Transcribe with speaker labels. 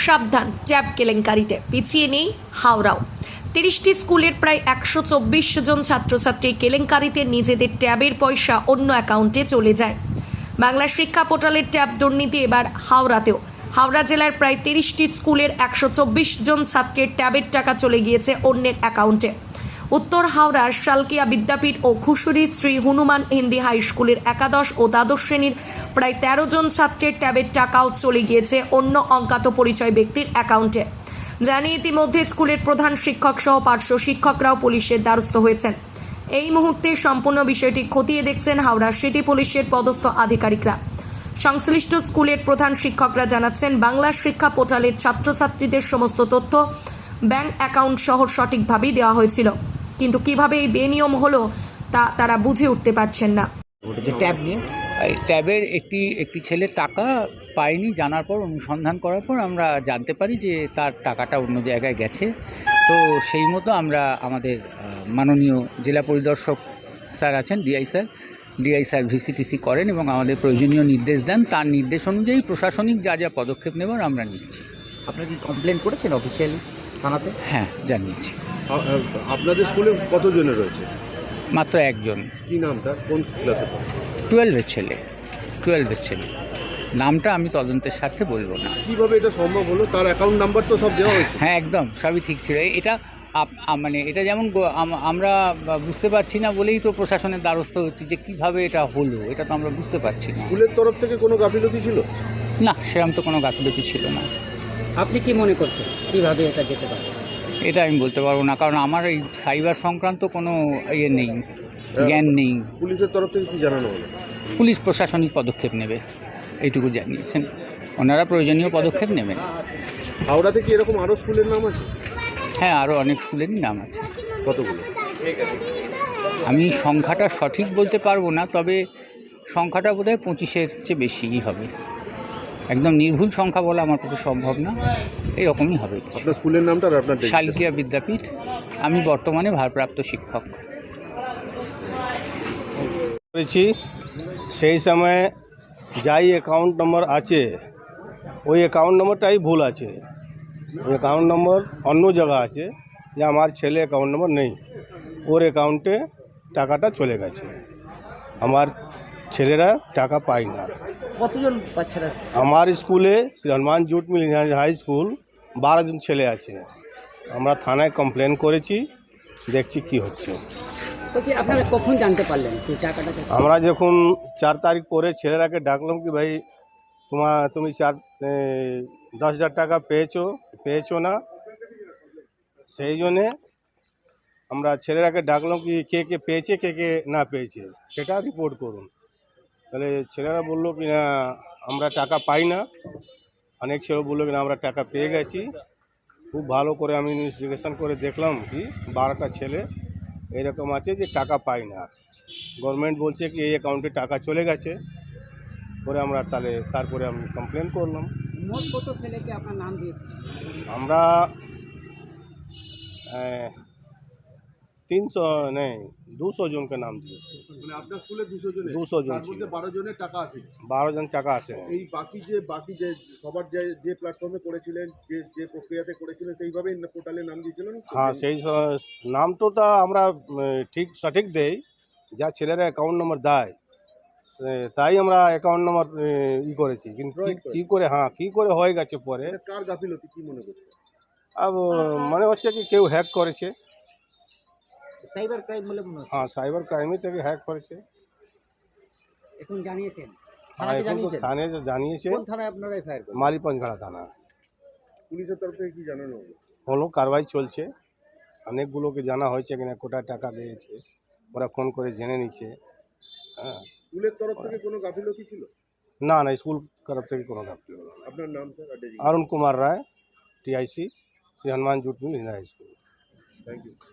Speaker 1: সাবধান ট্যাব কেলেঙ্কারিতে, পিছিয়ে নেই হাওড়াও। 30টি স্কুলের প্রায় 124 জন ছাত্রছাত্রী কেলেঙ্কারিতে নিজেদের ট্যাবের পয়সা অন্য অ্যাকাউন্টে চলে যায়। বাংলা শিক্ষা পোর্টালের ট্যাব দুর্নীতি এবার হাওড়াতেও। হাওড়া জেলার প্রায় 30টি স্কুলের 124 জন ছাত্রের ট্যাবের টাকা চলে গিয়েছে অন্যের অ্যাকাউন্টে। উত্তর হাওড়ার শালকিয়া বিদ্যাপীঠ ও খুশুরি শ্রী হনুমান হিন্দি হাই স্কুলের একাদশ ও দ্বাদশ শ্রেণীর প্রায় 13 জন ছাত্রের ট্যাবের টাকাও চলে গিয়েছে অন্য অজ্ঞাত পরিচয় ব্যক্তির অ্যাকাউন্টে। জানিয়ে ইতিমধ্যে স্কুলের প্রধান শিক্ষক সহ পার্শ্ব শিক্ষকরাও পুলিশের দ্বারস্থ হয়েছেন। এই মুহূর্তে সম্পূর্ণ বিষয়টি খতিয়ে দেখছেন হাওড়া সিটি পুলিশের পদস্থ আধিকারিকরা। সংশ্লিষ্ট স্কুলের প্রধান শিক্ষকরা জানাচ্ছেন, বাংলা শিক্ষা পোর্টালের ছাত্রছাত্রীদের সমস্ত তথ্য ব্যাংক অ্যাকাউন্ট সহ সঠিকভাবেই দেওয়া হয়েছিল, কিন্তু কিভাবে এই বেনিয়ম হলো তা তারা বুঝে উঠতে পারছেন না।
Speaker 2: ট্যাব নিয়ে
Speaker 3: এই ট্যাবের একটি ছেলে টাকা পায়নি, জানার পর অনুসন্ধান করার পর আমরা জানতে পারি যে তার টাকাটা অন্য জায়গায় গেছে। তো সেই মতো আমরা আমাদের মাননীয় জেলা পরিদর্শক স্যার আছেন, ডিআই স্যার ভিসিটিসি করেন এবং আমাদের প্রয়োজনীয় নির্দেশ দেন। তার নির্দেশ অনুযায়ী প্রশাসনিক যা যা পদক্ষেপ নেবার আমরা নিচ্ছি।
Speaker 2: আপনারা কি কমপ্লেন করেছেন অফিসিয়ালি থানাতে?
Speaker 3: হ্যাঁ, জানিয়েছি।
Speaker 4: আপনাদের স্কুলে কতজনের রয়েছে?
Speaker 3: মাত্র একজন।
Speaker 4: কি নামটা, কোন ক্লাসে পড়ে?
Speaker 3: 12-এর ছেলে। নামটা আমি তদন্তের স্বার্থে বলবো না।
Speaker 4: কিভাবে এটা সম্ভব হলো? তার অ্যাকাউন্ট নাম্বার তো সব দেওয়া হয়েছে।
Speaker 3: হ্যাঁ, একদম সবই ঠিক ছিল। এটা মানে এটা যেমন আমরা বুঝতে পারছি না বলেই তো প্রশাসনের দ্বারস্থ হচ্ছি যে কিভাবে এটা হলো, এটা তো আমরা বুঝতে পারছি না।
Speaker 4: স্কুলের তরফ থেকে কোনো গাফিলতি ছিল?
Speaker 3: না, সেরকম তো কোনো গাফিলতি ছিল না।
Speaker 5: আপনি কি মনে করছেন কিভাবে এটা যেতে পারে?
Speaker 3: এটা আমি বলতে পারবো না, কারণ আমার এই সাইবার সংক্রান্ত কোনো নেই, জ্ঞান নেই।
Speaker 4: পুলিশের তরফ থেকে কি জানানো হলো?
Speaker 3: পুলিশ প্রশাসনিক পদক্ষেপ নেবে এইটুকু জানিয়েছেন, ওনারা প্রয়োজনীয় পদক্ষেপ নেবেন।
Speaker 4: হাওড়াতে কি এরকম আরও স্কুলের নাম আছে?
Speaker 3: হ্যাঁ, আরও অনেক স্কুলেরই নাম আছে।
Speaker 4: কতগুলো?
Speaker 3: আমি সংখ্যাটা সঠিক বলতে পারবো না, তবে সংখ্যাটা বোধহয় 25-এর চেয়ে বেশিই হবে। একদম নির্ভুল সংখ্যা বলা আমার পক্ষে সম্ভব না, এরকমই হবে।
Speaker 4: আপনার স্কুলের নামটা আর আপনার
Speaker 3: শালকিয়া বিদ্যাপীঠ। আমি বর্তমানে ভারপ্রাপ্ত শিক্ষক।
Speaker 6: করেছি সেই সময় যাই অ্যাকাউন্ট নম্বর আছে ওই অ্যাকাউন্ট নম্বরটাই ভুল আছে। ওই অ্যাকাউন্ট নম্বর অন্য জায়গা আছে, যে আমার ছেলে অ্যাকাউন্ট নম্বর নেই, ওর অ্যাকাউন্টে টাকাটা চলে গেছে। আমার ছেলেরা টাকা পায় না।
Speaker 2: কতজন বাচ্চারা?
Speaker 6: আমার স্কুলে Shri Hanuman jute mill high school 12 জন ছেলে আছে। আমরা থানায় কমপ্লেন করেছি, দেখছি কি হচ্ছে।
Speaker 5: বলছি আপনারা কখন জানতে পারলেন যে টাকাটা?
Speaker 6: আমরা যখন 4 তারিখ পরে ছেলেরাকে ডাকলাম কি ভাই তুমি 10,000 টাকা পেয়েছো না, সেই জন্যে আমরা ছেলেরাকে ডাকলাম কি কে কে পেয়েছে কে কে না পেয়েছে সেটা রিপোর্ট করুন। তাহলে ছেলেরা বললো কি না আমরা টাকা পাই না, অনেক ছেলে বললো কি না আমরা টাকা পেয়ে গেছি। খুব ভালো করে আমি ইনভেস্টিগেশন করে দেখলাম কি 12টা ছেলে এরকম আছে যে টাকা পায় না। গভর্নমেন্ট বলছে কি এই অ্যাকাউন্টে টাকা চলে গেছে, পরে আমরা তারপরে আমি কমপ্লেন করলাম।
Speaker 5: মোট কত ছেলেকে আপনার নাম দিয়েছে?
Speaker 6: আমরা 200 জনকে নাম দিয়েছি।
Speaker 4: মানে আপনার স্কুলে 200 জন,
Speaker 6: 200 জন
Speaker 4: তার মধ্যে 12 জনের টাকা আছে।
Speaker 6: 12 জন টাকা আছে।
Speaker 4: এই বাকি যে সবার যে প্ল্যাটফর্মে করেছিলেন, যে প্রক্রিয়াতে করেছিলেন, সেইভাবেই পোর্টালে নাম দিয়েছিলেন?
Speaker 6: হ্যাঁ, সেই নামটা আমরা সঠিক দেই, যা ছেলেরা অ্যাকাউন্ট নম্বর দেয় তাই আমরা অ্যাকাউন্ট নম্বর করেছি, কিন্তু কি করে হয়ে গেছে পরে।
Speaker 4: কার গাফিলতি কি মনে করছে?
Speaker 6: মনে হচ্ছে কি কেউ হ্যাক করেছে।
Speaker 2: সাইবার ক্রাইম বলে মনে হচ্ছে।
Speaker 6: হ্যাঁ, সাইবার ক্রাইমে থেকে হ্যাক করেছে।
Speaker 5: এখন জানিয়েছেন?
Speaker 2: থানাকে জানিয়েছেন?
Speaker 6: থানায় জানিয়েছে।
Speaker 2: কোন থানায় আপনারা এফআইআর করেছেন?
Speaker 6: মালিপঞ্চঘাড়া থানা।
Speaker 4: পুলিশের তরফ থেকে কি জানানো
Speaker 6: হলো কারবাই চলছে, অনেকগুলোকে জানা হয়েছে কিনা কোটায় টাকা দিয়েছে, ওরা ফোন করে জেনে নিচ্ছে। হ্যাঁ,
Speaker 4: স্কুলের তরফ থেকে কোনো গাফিলতি ছিল?
Speaker 6: না, স্কুল তরফ থেকে কোনো গাফিলতি নেই।
Speaker 4: আপনার নাম sir?
Speaker 6: Arun Kumar Roy, TIC, Shri Hanuman jute mill high school.
Speaker 4: Thank you.